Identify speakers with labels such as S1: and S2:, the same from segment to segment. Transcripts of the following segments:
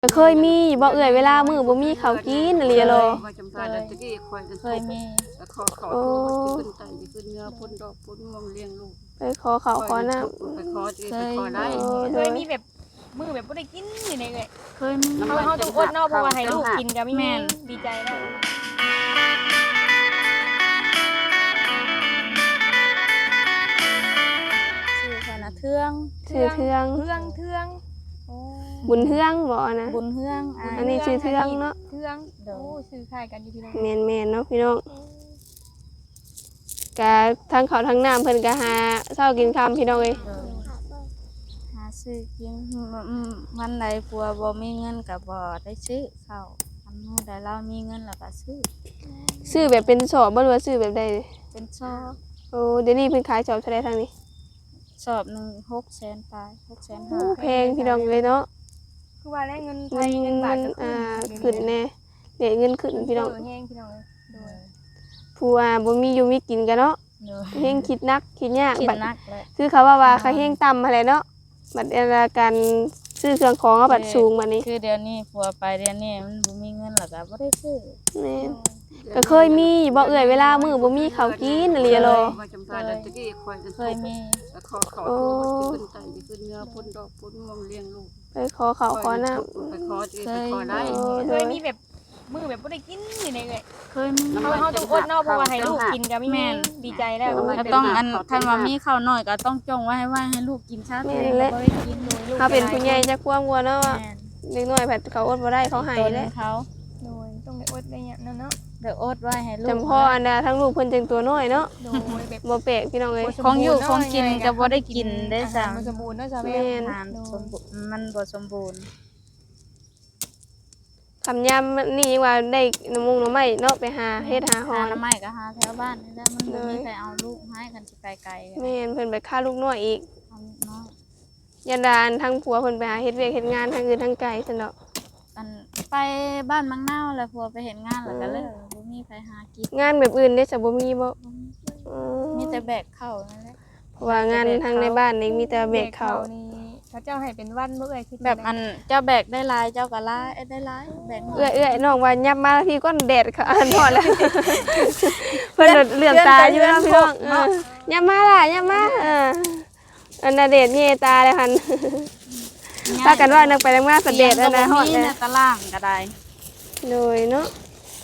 S1: ก็เคยมีบ่เอ่ยเวลามื้อบ่มีข้าวกินอะไรโล
S2: เคยมี
S1: โอ้ไปขอข้าวขอน้ำ
S3: เคยมีแบบมือแบบบ่ได้กินอยู่ในเลย
S2: เคยมี
S3: เขาต้องอดเนาะเพราะว่าให้ลูกกินก็มีแม่นดีใจแล้ว
S2: ชื่อคณะเทือง
S1: ชื่อเทืองบุญเทืองบ่นะ
S2: บุญเทือง
S1: อันนี้ชื่อเทืองเนาะ
S3: เทืองโอ้ชื่อคล้ายกันอยู่พี่น้อง
S1: แม่นๆเนาะพี่น้องก็ทั้งข้าวทั้งน้ำเพิ่นก็หาเช้ากินค่ำพี่น้องเอ้ย
S2: หาซื้อกินวันใดผัวบ่มีเงินก็บ่ได้ซื้อข้าววันมื้อใดเรามีเงินแล้วก็ซื้อ
S1: แบบเป็นสอบบ่รู้ว่าซื้อแบบใด
S2: เป็นซอบ
S1: โอ้เดี๋ยวนี้เพิ่นขายสอบเท่าใดทางนี้
S2: สอบหนึ่ง600,000ปลาย650,000
S1: แพงพี่น้องเลยเนาะ
S3: คือว่าได้เงินไทยเงินบาทก็
S1: ขึ้นแน่เดี๋ยวเงินขึ้นพี่น้อง
S3: แห้งพี่น้องเลยโดย
S1: ผู้ว่าบ่มีอยู่มีกินกันเนาะ เฮงคิดนักคิดยาก
S2: คิด
S1: บัด
S2: นักเลย
S1: คือเขาว่าเขาเฮงต่ำอะไรเนาะบัดการซื้อเครื่องของบัดสูงบัดนี้
S2: คือเดี๋ยวนี้ผัวไปเดี๋ยวนี้มันบ่มีเงินแล้วก็บ่ได้ซื้อ
S1: แม่นก็เคยมีบ่เอ่ยเวลามื้อบ่มีข้าวกินอะไรโล
S2: เคยมี
S1: โอ้ไปขอข้าวขอน้ำ
S3: เคยมีแบบมือแบบบ่ได้กินอยู่ในเลย
S2: เคยมี
S3: เขาต้องอดเนาะเพราะว่าให้ลูกกินก็มีแม่นดีใจแล้ว
S2: ก็ต้องคันว่ามีข้าวน้อยก็ต้องจงไว้ให้ลูกกินซะบ่ได้กินโดยลูก
S1: เขาเป็นผู้ใหญ่จักความกลัวเนาะว่าเด็กน้อยผัดเขาอดบ่ได้เขาให้แหละ
S2: เขา
S3: โดยต้องได้อดได้เนี่ยเนาะ
S2: เดี๋ยวอดไว้ให้ลูก
S1: จำพ่ออันดาทั้งลูกเพิ่นจังตัวน้อยเนาะ
S3: โดยแบบ
S1: บ่แปลกพี่น้องเอ้ย
S2: ของอยู่ของกินก็บ่ได้กินได้ซ้ํ
S3: มันสมบูรณ์เนาะจ้ะแม่
S2: อาหารสมบูรณ์มันบ่สมบูรณ์
S1: คำยามนี่ว่าได้น้ำหน่อไม้เนาะไปหาเฮ็ดหาหอ
S2: หาไม้ก็หาแถวบ้านนี่แหละมันบ่มีใครเอาลูกให้กันสิไปไกล
S1: แม่นเพิ่นไปฆ่าลูกน้อยอีก
S2: เอาน้อย
S1: ยันดานทั้งผัวเพิ่นไปหาเฮ็ดเวียกเฮ็ดงานทั้งอื่นทั้งไกลซั่นเนาะ
S2: อันไปบ้านมังนาวแล้วผัวไปเห็นงานแล้วก็เลยบ่มีใครหากิน
S1: งานแบบอื่นได้จะบ่มีบ่
S2: มีแต่แบกเข้านั่นแหละ
S1: เพราะว่างานทางในบ้านนี่มีแต่แบกข้าว
S3: นี่เขาเจ้าให้เป็นวันบ่เอ้ยคิด
S2: แบบอันเจ้าแบกได้หลายเจ้าก็หลายได้หลายแบก
S1: เอื้อยน้องว่ายับมาทีก้อนแดดค่ะอันพอแล้วเพิ่นเหลือบตาอยู่เนาะพี่น้องยับมาล่ะยับมาอันน่ะเดชเยตาเลยหั่นพากันว่านึกไปนึกมาสะเดชอันน่ะฮอด
S2: มีในตารางก็ได้
S1: เลยเนาะ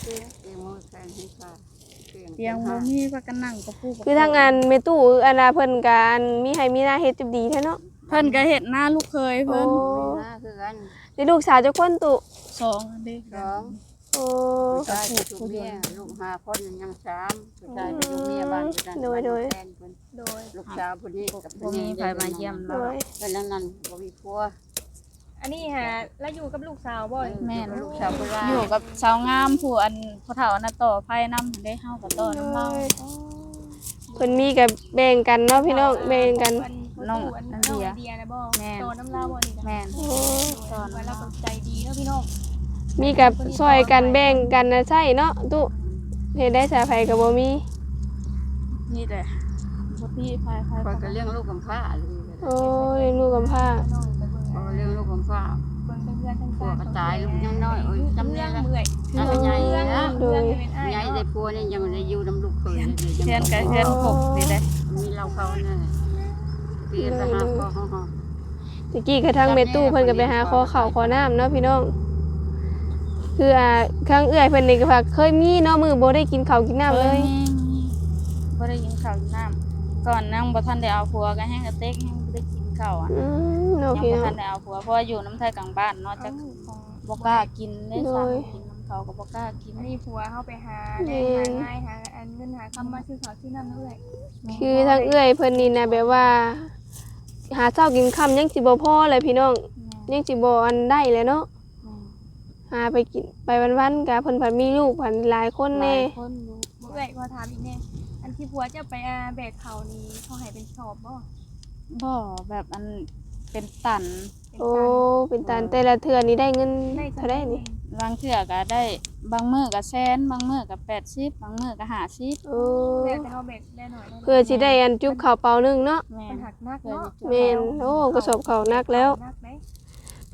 S2: เตียงบ่มีว่ากันนั่งก็ปู
S1: คือทางงานแม่ตู้อันน่ะเพิ่นก็อันมีให้มีหน้าเฮ็ดจุบดีแท้เนาะ
S2: เพิ่นก็เฮ็ดหน้าลูกเคยเพิ่น
S1: ได้ลูกสาวจักคนตุ
S2: สองอันเด้
S1: โอ้
S4: ชายอยู่เมียลูก5คนยัง3ผู้ชายไปอยู่เมียบ้านอยู่นั่น
S3: โดย
S4: ลูกสาวผู้นี้กับ
S2: บ่มีใครมาเยี่ยม
S1: โด
S2: เรา
S1: ย
S4: เพิ่นนั้นบ่มีผัว
S3: อันนี้ฮะแล้วอยู่กับลูกสาวบ่
S2: แม่น
S4: ลูกสาวโบราณ
S2: อยู่กับสาวงามผู้อันผู้เฒ่าน่ะต่อไฟนำได้เฮาก็ต่อน้ำเรา
S1: เพิ่นมีก็แบ่งกันเนาะพี่น้องแบ่งกัน
S3: น้องอันเดียนะบ่โตน้ำลาวบ่นี่
S2: แม่น
S3: ตอนว่าเราใจดีเนาะพี่น้อง
S1: มีกับซอยกันแบ่งกันนะใช่เนาะตุเฮ็ดได้สาไผก็บ่มี
S2: นี่แหละบ่พี่ไฟ
S4: คอยก็เลี้ยงลูกกำพร้าเลย
S1: โอ้ยลูกกำพร้า
S3: น้องไปเบิ่ง
S4: พอเลี้ยงลูกกำพร้า
S3: เบิ่งเพื่อนทั้ง
S4: ผัวก็ตายลูกยังน้อยโอ้ยจำ
S3: เรื่
S4: ได้
S3: อง
S4: แล้ว
S3: เมื่อย
S4: อันก็ใหญ่นะ
S3: เรื่องเป็นอ้าย
S4: ใหญ่ได้ผัวนี่ยังได้อยู่นำลูกเคย
S2: เพื่อนกับเพื่อนพบนี่แหละ
S4: มีเราเขานั่นเปลี่ยนไปหาพ่อเฮา
S1: ตะกี้กระทั่งแม่ตู้เพิ่นก็ไปหาขอข้าวขอน้ำเนาะพี่น้องคือครั้งเอื้อยเพิ่นนี่ก็ว่าเคยมีเนาะมื้อบ่ได้กินข้าวกินน้ำเลย
S2: บ่ได้กินข้าวกินน้ำก่อนนั่งบ่ทันได้เอาผัวก็แห้งกระเต็กแห้งบ่ได้กินข้าวอ่ะ
S1: เนาะ
S2: ยัง
S1: พี่
S2: บ่
S1: น้อ
S2: ทั
S1: ง
S2: นได้เอาผัวเพราะว่าอยู่น้ำไทยกลางบ้านเนาะจักบ่กล้ากินได้สั่งกินน้ำเขาก็บ่กล้ากิน
S3: มีผัวเข้าไปหาได้หาง่ายหาอันเงินหาคำมาชื่อเขาชื่อน้ำนั่นแหละ
S1: คือทางเอื้อยเพิ่นนี่นะแบบว่า หาเช้ากินค่ำยังสิบ่พอเลยพี่น้องยังสิบ่อันได้เลยเนาะหาไปกินไปวันๆก็เพิ่นผัดมีลูกผัดหลายคน
S2: หลา
S1: แน่
S2: ยคนอยู่
S3: เอ้ยพอถามอีกแน่อันที่ผัวจะไปแบกเขานี่เขาให้เป็นสอบบ่
S2: บ่แบบอันเป็นตัน
S1: โอ้เป็นตาแต่ละเทื่อนี่ได้เงินเท่าไดนี่
S2: บางเทื่อก็ได้บางมื้อก็แสนบางมื้อก็80บางมื้อก็50
S1: โอ้
S3: แล้วแต่เขาแบกได้หน่อย
S1: เพื่อสิได้อันจุบข้าวเปล่านึงเนาะ
S2: แม่
S3: มัน
S2: น
S3: หักนักเนาะ
S1: แม่นโอ้กระสอบข้าวหนักแล้ว
S3: นักไหม
S1: เพิ่น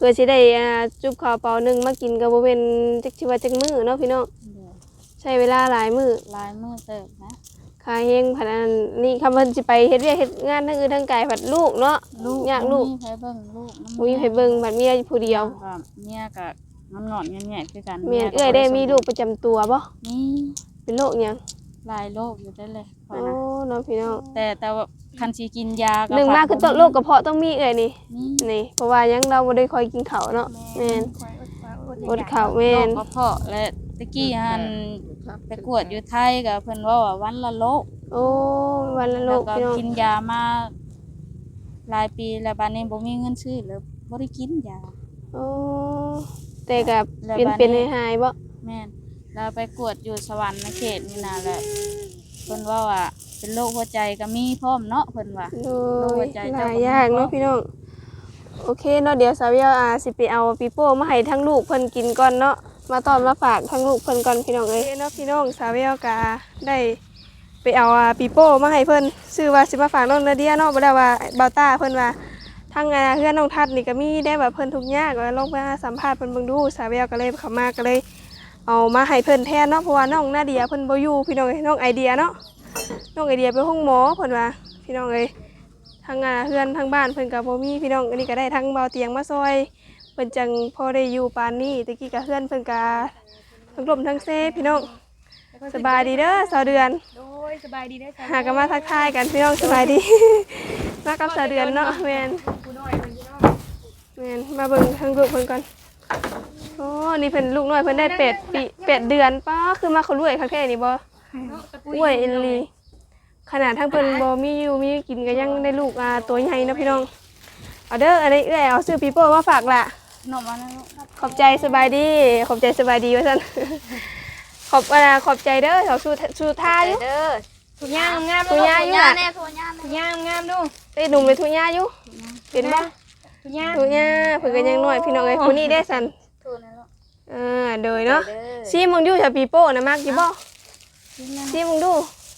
S1: พื่อสิได้จุบข้าวเปล่านึงมากินก็บ่เป็นจักสิว่าจักมื้อเนาะพี่น้อง
S2: เดี๋ยว
S1: ใช้เวลาหลายมื้อ
S2: ลายมือเติบนะ
S1: ค่าแฮงผัดอันนี่คำเพิ่นสิไปเฮ็ดเวียกเฮ็ดงานทั้งอื่นทั้งไกลผัดลูกเนาะยากลูก
S2: มีไผเบิ่งลูก
S1: บ่มีไผเบิ่งบัดเมียผู้เดียว
S2: ก็เมียก็งอนๆแง่ๆคือกัน
S1: แม่นเอ้อยได้มีลูกประจำตัวบ่
S2: นี่
S1: เป็นโรคหยัง
S2: หลายโรคอยู่ได้เลยค่อย
S1: โอ้
S2: นะ
S1: เนาะพี่น้อง
S2: แต่ว่าคันสิกินยาก็
S1: หนึ่งมาคือต้นโรคกระเพาะต้องมีเอ้อยนี่
S2: นี่
S1: นี่เพราะว่ายังเราบ่ได้ค่อยกินข้าวเนาะแม่น
S3: คอย
S1: อด
S3: อดอยาก
S1: ข้าว
S2: โร
S1: แม่
S2: คน กระเพาะและตะกี้หันไปกวดอยู่ไทยก็เพิ่นว่าวันละโรค
S1: โอ้วันละโร
S2: แล้ว
S1: ค
S2: ก็
S1: พี่น้อง
S2: กินยามาหลายปีแล้วบัดนี้บ่มีเงินซื้อแล้วบ่ได้กินยา
S1: โอ้แต่ก็
S2: แล้ว
S1: เป็น
S2: บัดนี้
S1: เป็นหายๆบ่
S2: แม่นเราไปกวดอยู่สวรรค์ในเขตนี่นะแหละเพิ่นว่าเป็นโรคหัวใจก็มีพร้อมเนาะเพิ่นว่า
S1: โด
S2: โรคหั
S1: ยว
S2: ใจ
S1: ห
S2: เจ้า
S1: ลาย
S2: ก็
S1: อย่าง
S2: มี
S1: เนาะพี่น้องโอเคเนาะเดี๋ยวสาวเวียสิไปเอาปีโป้มาให้ทั้งลูกเพิ่นกินก่อนเนาะมาตอนมาฝากทั้งลูกเพิ่นก่อนพี่น้องเอ้ยเนาะพี่น้องสาวเวียก็ได้ไปเอาปีโป้มาให้เพิ่นชื่อว่าสิมาฝากน้องนาเดียเนาะบ่ได้ว่าเบาต้าเพิ่นว่าทางเพื่อนน้องทัดนี่ก็มีได้แบบเพิ่นทุกข์ยากก็ลองไปหาสัมภาษณ์เพิ่นเบิ่งดูสาวเวียก็เลยเข้ามาก็เลยเอามาให้เพิ่นแทนเนาะเพราะว่าน้องนาเดียเพิ่นบ่อยู่พี่น้องเอ้ยน้องไอเดียเนาะน้องไอเดียไปห้องหมอเพิ่นว่าพี่น้องเอ้ย ทางเพื่อนทางบ้านเพิ่นกับบ่มีพี่น้องอันนี้ก็ได้ทั้งเบาเตียงมาซอยเพิ่นจังพอได้อยู่ปานนี้ตะกี้ก็เพื่อนเพิ่นก็ทั้งลมทั้งเซพี่น้องสบายดีเด้อสาวเดือน
S3: โดยสบายดีได้อจ้ะ
S1: หากันมาทักทายกันพี่น้องสบายดี มากับสาวเดือนเนาะแม่น
S3: ผู้น้อยเพิ่นพี่น้อง
S1: แม่นมาเบิ่งทางลูกเพิ่นก่อนโอ้นี่เพิ่นลูกน้อยเพิ่นได้8 ปี 8 เดือนป้าคือมาเขารวยคักแท้นี่บ่
S3: เนาะตะปุ
S1: อ้วยเอลลีขนาดทั้งเพิ่นบ่มีอยู่มีกินก็ยังได้ลูกตัวใหญ่เนาะพี่น้องเอาเด้ออันนี้เอ้ยเอาซื้อปีโป้มาฝากล่ะ
S2: นมมาแล้ว
S1: ขอบใจสบายดีขอบใจสบายดีว่าซั่น ขอบใจเด้อเขาสู้ท่าอยู่
S2: เด้อ
S3: ทุกอย่างงามๆ
S1: ทุ
S3: ลู
S1: ก
S3: ก
S1: อย่าง
S2: ทุกอย่างแน่ทุกอย่าง
S3: ทุกอย่างงามๆดู
S1: เอ้ยหนุ่มเลยทุกย่าอยู่เห็นบ่
S3: ทุกอย่าง
S1: ทุกย่าเพิ่นก็ยังน้อยพี่น้องเอ้ยผู้นี้ได้ซั่น
S2: ทุกนั่นลูก
S1: โดยเนาะ
S2: เด้อ
S1: ซีมึงอยู่จะปีโป้นะมักอยู่บ่ซีมึงดู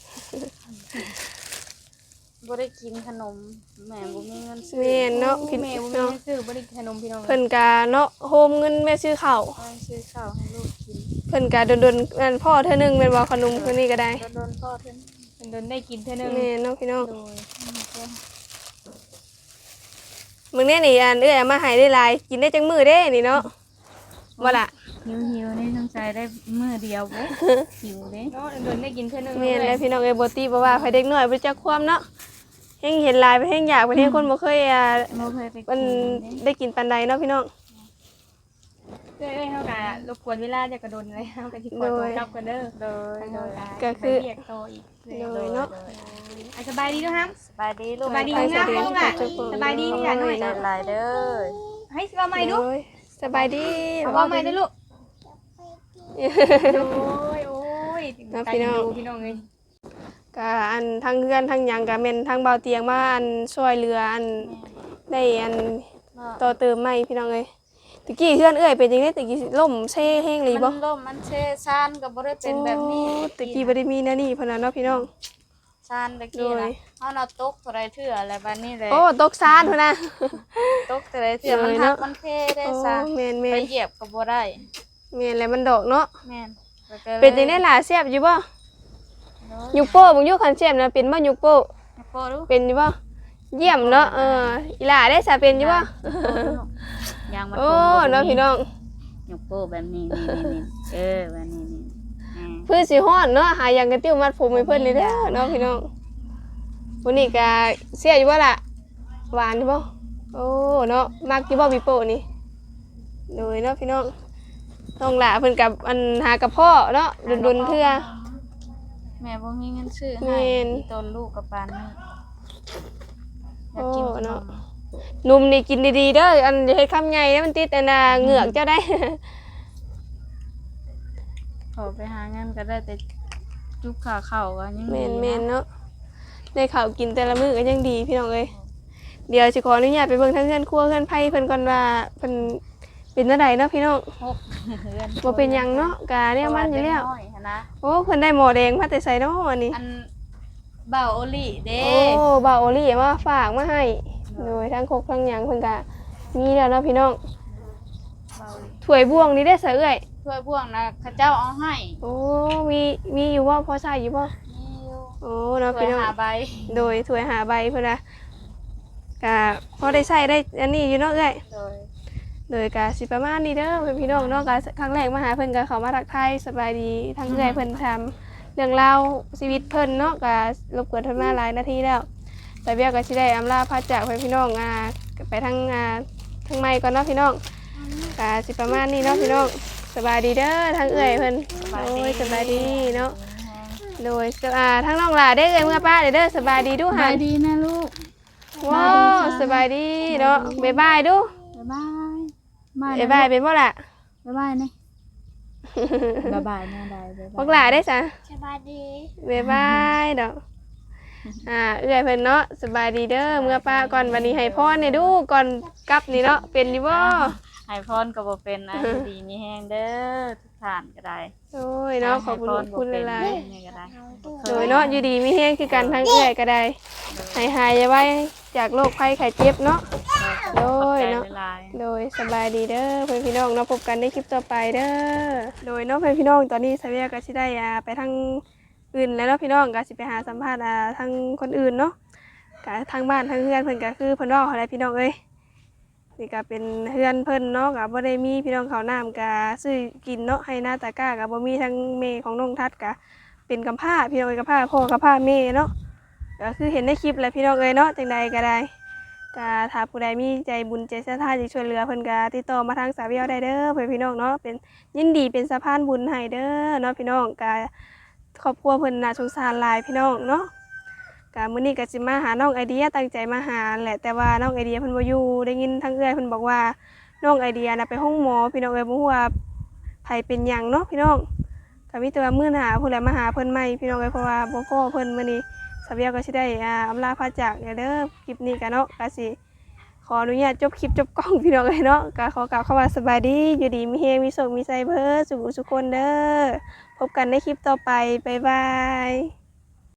S2: บ่ได้กินขนมแม่บ่มีเงินซื้อ
S1: แม่นเนาะพี่
S3: แม่บ่มี
S1: เนาะ
S3: ซื้อบ่ได้ขนมพี่น้อง
S1: เพิ่นก็เนาะโฮมเงินแม่ซื้อข้าว
S2: เอาซื้อข้าวให้ลูกกิน
S1: เพิ่นก็ดนๆนั่นพ่อเทื่อนึงแม่นบ่ขนมคนนี้ก็ได้
S2: โดนพ่อเพิ่น
S3: เพิ่นโดนได้กินเท่านึง
S1: แม่นเนาะพี่น้อง
S3: โดย
S1: มึงเนี่ยนี่อันเอ้ยเอามาให้ได้หลายกินได้จังมื้อเด้นี่เนาะบ่ล่ะ
S2: หิวนี่สงสัยได้มื้อเดียวบ่หิวเด้
S3: เนาะโดนได้กินเท่านึง
S1: แม่นแล้วพี่น้องเอ้ยบ่ติบ่ว่าไผเด็กน้อยบ่จักความเนาะเฮงเห็นหลายไปเฮงอยากไปเฮงคนบ่เคย
S2: บ่เคยไป
S1: มัน
S2: กินเด้
S1: ได้กินปานใดเนาะพี่น้อง
S3: เอ้ยเฮาก็รบกวนเวลาจะกระโดนเลยเฮาก็สิขอตัวกลับกันเด้อ
S2: โดย
S3: ทาง
S2: โด
S3: เฮาย
S1: ก็คือ
S3: ไปเรียกโตอีก
S1: โดยเนาะ
S3: อ่ะสบายดีด้วยครับ
S2: สบายดีลูก
S3: สบายดี
S1: ไป
S3: งาม
S1: เดือน
S3: ๆล่ะ
S1: จุ๊บ
S3: สบายดีนี่ล่ะหน่อย
S2: ใจหลายเด้อ
S3: ให้สิว่าใหม่ดู
S1: โอ้ยสบายดี
S3: เอาว่าใหม่เด้อลูกโอ้ยโอ้ย
S1: นะพี่น้อง
S3: พี่น้องเอ้ย
S1: ก็อันทั้งเฮือนทั้งหยังก็แม่นทั้งเบาเตียงมาอันช่วยเหลืออันได้อันต่อเติมใหม่พี่น้องเอ้ยตะกี้เฮือนเอ้ยเป็นจังได๋ตะกี้ล่มเซ่แห้งเลยบ่
S2: มันล่มมันเชซานก็บ่ได้เป็นแบบนี้
S1: โอ้ตะกี้บ่ได้มีแนวนี้เพิ่นน่ะเนาะพี่น้อง
S2: ซานตะกี้
S1: โด
S2: นะ
S1: ย
S2: เฮาน่ะตกเท่าไรเทื่ออะไรบัดนี้เลย
S1: โอ้ตกซานพุ่นน่ะ
S2: ตกเท่าไรเทื่อมัน
S1: โดย
S2: หั
S1: เนาะ
S2: กมันเทได้
S1: โอ้
S2: ซะ
S1: แม่น
S2: ไปเหยียบก็บ่ได้
S1: แม่นแล้วมันดอกเนาะ
S2: แม่นแล้วก็ลย
S1: เป็นจังได๋ล่ะแซ่บอยู่บ่
S2: โดย
S1: ยุกโป้บ่อยู่คันแซ่บนะเป็นบ่ยุกโป้
S2: โปรดู
S1: เป็นอยู่บ่เยี่ยมเนาะอีหล่าได้ซะเป็นอยู่บ่
S2: ยางมัน
S1: โอ้เนาะพี่น้อง
S2: ยกโป้แบบนี้นี่แบบนี้นี่
S1: เพื่อสิฮ้อนเนาะหาหยังกระติ้วมัดผมให้เพิ่นเลยเด้อเนาะพี่น้องวันนี้ก็เสียอยู่บ่ล่ะหวานอยู่บ่โอ้เนาะมักอยู่บ่ปีโป้นี่โดยเนาะพี่น้องน้องหล่าเพิ่นกับอันหากระเพาะเนาะดุนๆเทื่อ
S2: แม่บ่มีเงินซื้อ
S1: แม่
S2: ให้
S1: น
S2: มีต้นลูกกับปานนี้อยากกิน
S1: โอ้
S2: ขน
S1: เนาะ
S2: ม
S1: หนุ่มนี่กินดีๆเด้ออันอย่าเฮ็ดคำใหญ่นะมันติดอันน่ะเหงือกเจ้าได้
S2: ขอไปหาเงินก็ได้แต่จุบขาเข่าก็ยัง
S1: แม่
S2: ดี
S1: นแม่น
S2: นะ
S1: เนาะได้ข้าวกินแต่ละมื้อก็ยังดีพี่น้องเอ้ยเดี๋ยวสิขออนุญาตไปเบิ่งทางเรือนครัวเรือนไผเพิ่นก่อนว่าเพิ่นเป็นจังไดเนาะพี่น้อง
S2: หกเดือน
S1: บ่เป็นหยังเนาะกะเนี่ยมันอยู่แล้ว
S2: เพราะาเด็กน้อยหั้นนะ
S1: โอ้เพิ่นได้หมอแดงมาแต่ไสเนาะอันนี้
S2: อันเบาโอลี่เด้
S1: โอ้บ่าวโอลี่มาฝากมาให้โดยทั้งครกทั้งหยังเพิ่นก็มีแล้วเนาะพี่น้อง
S2: เขาเลย
S1: ถ้วยบ่วงนี่ได้เสเอ้ย
S2: ถ้วยบ่วงนะเขาเจ้าเอาให้
S1: โอ้มีอยู่บ่พอใช้อยู่บ่
S2: นี่อยู่
S1: โอ้เนาะ
S2: ถ้วย
S1: พี่น้อง
S2: หาใบ
S1: โดยถ้วยหาใบเพิ่นน่ะก็พอได้ใช้ได้อันนี้อยู่เนาะเอ้ย โดยก็สิประมาณนี้เด้อเพื่อนพี่น้องเนาะก็ครั้งแรกมาหาเพิ่นก็เข้ามาทักทายสบายดีทั้งเอื้อยเพิ่นทำเรื่องราวชีวิตเพิ่นเนาะก็รบกวนเพิ่นมาหลายนาทีแล้วแต่เบี้ยก็สิได้อำลาพาจากเพื่อนพี่น้องไปทางทางไม้ก่อนเนาะพี่น้องก็สิประมาณนี้เนาะพี่น้องสบายดีเด้อทั้งเอื้อยเพิ่นโอ้ยสบายดีเนาะโดยทั้งน้องหลาได้อเอ้ยเมื่อป้าเด้อสบายดีดู
S2: ส
S1: หั
S2: บาน ยดีนะลูก
S1: ว้าวสบายดีเนาะบ๊ายบายดู
S2: บ๊ายบายบาย
S1: บ๊ายบายเป็นบ่ล่ะ
S2: บ๊ายบายนี่บ๊ายบายแม่ได้บ๊าย
S1: พ
S2: บา
S1: วย กหลาได้จ้ะ
S2: สบายดี
S1: บ๊ายบายดอกเอื้อยเพิ่นเนาะสบายดีเด้อเมื่อป้าก่อนวันนี้ให้พรให้ดูก่อนกลับนี่เนาะเป็นอยู่บ่
S2: ให้พรก็บ่เป็นนะดีมีแฮงเด้อทุกท่านก็ได้
S1: โอ้ยเนาะขอบคุณหลาย
S2: ๆนี่ก็ได้
S1: ๆโดยเนาะอยู่ดีมีแฮงคือกันทั้งเอื้อยก็ได้ให้หายไว้จากโรคภัยไข้เจ็บเนาะ โดยเนาะ โดยสบายดีเด้อเพื่อนพี่น้องเนาะพบกันในคลิปต่อไปเด้อโดยเนาะเพื่อนพี่น้องตอนนี้สาวเวียก็สิได้ไปทางอื่นแล้วเนาะพี่น้องก็สิไปหาสัมภาษณ์ทางคนอื่นเนาะก็ทางบ้านทางเฮือนเพิ่นก็คือเพิ่นเว้าอะไรพี่น้องเอ้ยนี่ก็เป็นเฮือนเพิ่นเนาะก็บ่ได้มีพี่น้องข้าวน้ำก็ซื้อกินเนาะให้หน้าตาก้าก็บ่มีทั้งแม่ของน้องทัดก็เป็นกำพร้าพี่น้องเอ้ยกำพร้าพ่อกำพร้าแม่เนาะก็คือเห็นในคลิปแหละพี่น้องเอ้ยเนาะจังใดก็ได้ก็ถ้าผู้ใดมีใจบุญใจศรัทธาจะช่วยเหลือเพิ่นก็ติดต่อมาทางสาวเวียวได้เด้อเพื่อนพี่น้องเนาะเป็นยินดีเป็นสะพานบุญให้เด้อเนาะพี่น้องก็ครอบครัวเพิ่นน่าสงสารหลายพี่น้องเนาะก็มื้อนี้ก็สิมาหาน้องไอเดียตั้งใจมาหาแหละแต่ว่าน้องไอเดียเพิ่นบ่อยู่ได้ยินทางเอื้อยเพิ่นบอกว่าน้องไอเดียน่ะไปห้องหมอพี่น้องเอ้ยบ่ฮู้ว่าไผเป็นหยังเนาะพี่น้องก็มีแต่ว่ามื้อหน้าผู้ใดมาหาเพิ่นใหม่พี่น้องเอ้ยเพราะว่าบ่พอเพิ่นมื้อนี้สาวเวียวก็สิได้อำลาพาจากเด้อคลิปนี้ก็เนาะก็สิขออนุญาตจบคลิปจบกล้องพี่น้องเอ้ยเนาะก็ขอกล่าวคำว่าสบายดีอยู่ดีมีเฮงมีสุขมีใจเบิดสุขสุขคนเด้อพบกันในคลิปต่อไปบ๊ายบาย